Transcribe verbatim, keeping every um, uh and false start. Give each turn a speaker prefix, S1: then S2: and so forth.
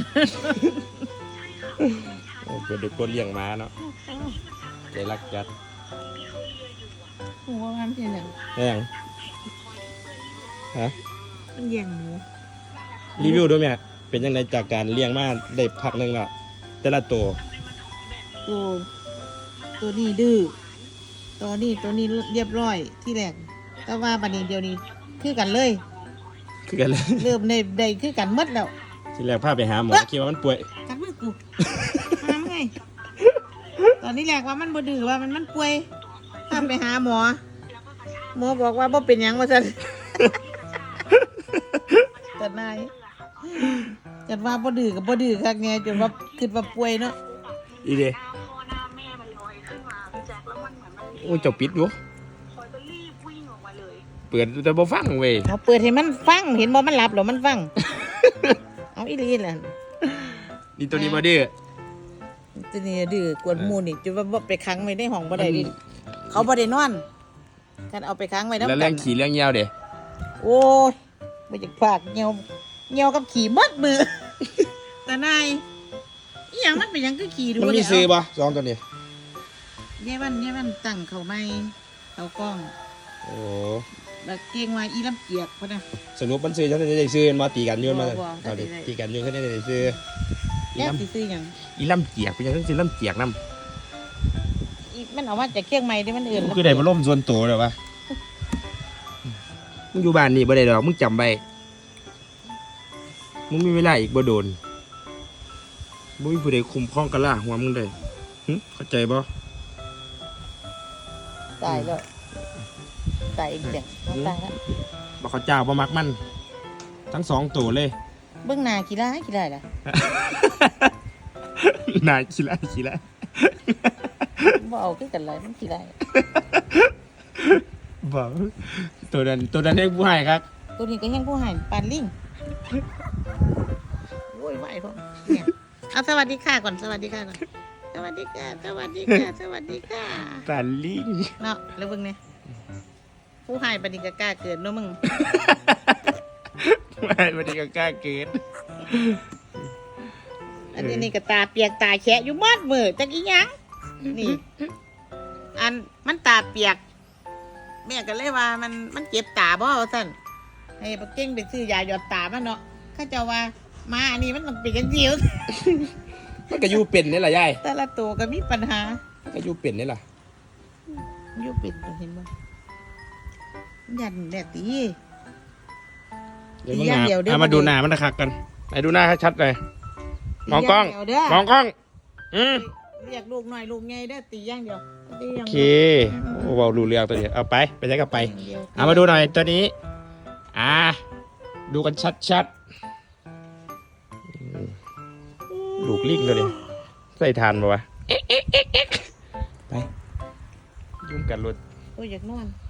S1: โอ้เป็นเด็กคนเลี้ยงม้าเนาะใจรักจัด
S2: หัวมันเป็นอย่าง
S1: แห้งฮะ
S2: มันแย่งหมู
S1: รีวิวด้วยไหมเป็นยังไงจากการเลี้ยงมาได้พักหนึ่งและแต่ละตัว
S2: ตัวตัวนี้ดื้อตัวนี้ตัวนี้เรียบร้อยที่แรกแต่ว่าบัดนี้เดียวนี้คือกันเลย
S1: คือกันเลย
S2: เริ่มในใดคือกันหมดแล้ว
S1: ทีแรกพาไปหาหมอคิดว่ามันป่วย
S2: กันมือกูหาไงตอนนี้แรกว่ามันบ่ดื้อว่ามันมันป่วยทำไปหาหมอหมอบอกว่าบ่เป็นหยังว่าซั่น แต่นายจัดว่าบ่ดื้อกับบ่ดื้อคักแน่จนว่าคิดว่าป่วยเนาะ
S1: อีเดโอ้ยเจ้าปิดอยู่เปิดแต่บ่ฟังเว้ย
S2: เอาเปิดให้มันฟังเห็นบ่มันหลับหรอมันฟัง เอาอีหลีแหละ
S1: นี่ตัวนี้บ่ดื้อ
S2: ตัวนี้ดื้อกวนหมู่นี่จนว่าบ่ไปขังไว้ในห้องบ่ได้ดิเขาบ่ได้นอนกันเอาไปขังไว้นำ
S1: แล้ว
S2: กั
S1: เรื่องขี่เรื่องยาวเด้
S2: โอ้ยบ่อยากพากเหี่ยวเหี่ยวกับขี่หมดมือ แต่นายอีหยังมันเป็นหยังคือขี่ดู
S1: มันมีซื้อบ่สองตัวนี้
S2: เย่วันเย่วันตั้งเขาไม่เขากล้อง
S1: โอ้
S2: แล้วเก่งว่าอีลำเกียกพุ่นน่ะ
S1: สรุปมันซื้อฉันได้ซื้อมาตีกันอยืนมา
S2: บ่บ่
S1: เอาดิ
S2: ได้
S1: ตีกันอยืนฉันได้ซื้ออี
S2: แล้
S1: ล
S2: วสิซื้อหยัง
S1: ำอีลำเจียกเป็นยังไงซื้อลำเจียกนำ
S2: อีมันเอามาจากเชียงใหม่ที่มันอื่น
S1: คือได้มาล่มส่วนตัวเลยวะมึงอยู่บ้านนี่บ่ได้ดอกมึงจำไว้มึงมีเวลาอีกบ่โดนบ่มีผู้ใดคุมครองกะล่าหัวมึงได้หึเข้าใจบ่
S2: ตายแล้วตายอีกจังเอาตายแล้ว
S1: บ่เขาเจ้าบ่มักมัน ทั้งสองตัวเลย
S2: เบื้องหน้ากี่ได้กี่ได้ล่ะ
S1: นายขี้ละขี้ละ
S2: บ่เอาคือกันเลยมันกี่ได้
S1: บ่ตัวนั้นตัวนั้นให้ผู้ให้ครับ
S2: ตัวนี้ก็ยังผู้ใหายปานลิงโว้ยไหวพ่อเนี่ยเอาสวัสดีค่ะก่อนสวัสดีค่ะก่อนสวัสดีค่ะสวัสดีค่ะสวัสดีค่ะ
S1: ปานลิง
S2: เนาะแล้วเบิ่งเนี่ยผู้ใหายปานนี้ก็กล้าเกินเนาะมึง
S1: ไม่บ่ได้ก็กล้าเกิน
S2: อันนี้นี่ก็ตาเปียกตาแฉะอยู่หมดมือจักอีหยังนี่ อันมันตาเปียกแม่ก็เลยว่ามันมันเจ็บตาบ่ว่าซั่นให้ปักเก่งไปซื้อยาหยอดตามาเนาะเขาเจ้าว่ามาอันนี้มันต้องเป็นจังซี่
S1: มันก็อยู่เป็นนี่ล่ะยาย
S2: แต่ละตัวก็มีปัญหา
S1: มันก็อยู่เป็นนี่ล่ะ
S2: อยู่เป็นตัวเห็นบ่ยันแดดตี
S1: เดี๋ยวมึง
S2: อย่าง
S1: หา
S2: เดียวเด้อ
S1: เอามาดูหน้ามันคักกันไหนดูหน้าชัดๆเลยมองกล้อง
S2: ตีย่าเดียวเด้
S1: มองกล้องอืม
S2: เรียกลูกหน่อยลูกใหญ่เด้อตีอย่างเดียวตีอ
S1: โอย่าง เค
S2: เดียว
S1: โอ้เว้ารู้เรื่องตัวนี้เอาไปไปใช้กับไป
S2: ย่งดียว
S1: เอามาดูหน่อยตัวนี้ อ่า ดูกันชัดๆอืมลูกลิงตัวนี้ใส่ทานปะวะเอ๊ะเอ๊ะเอ๊ะเอ๊ะไปยุ่งกันรถ
S2: โอ้ยอยากนอน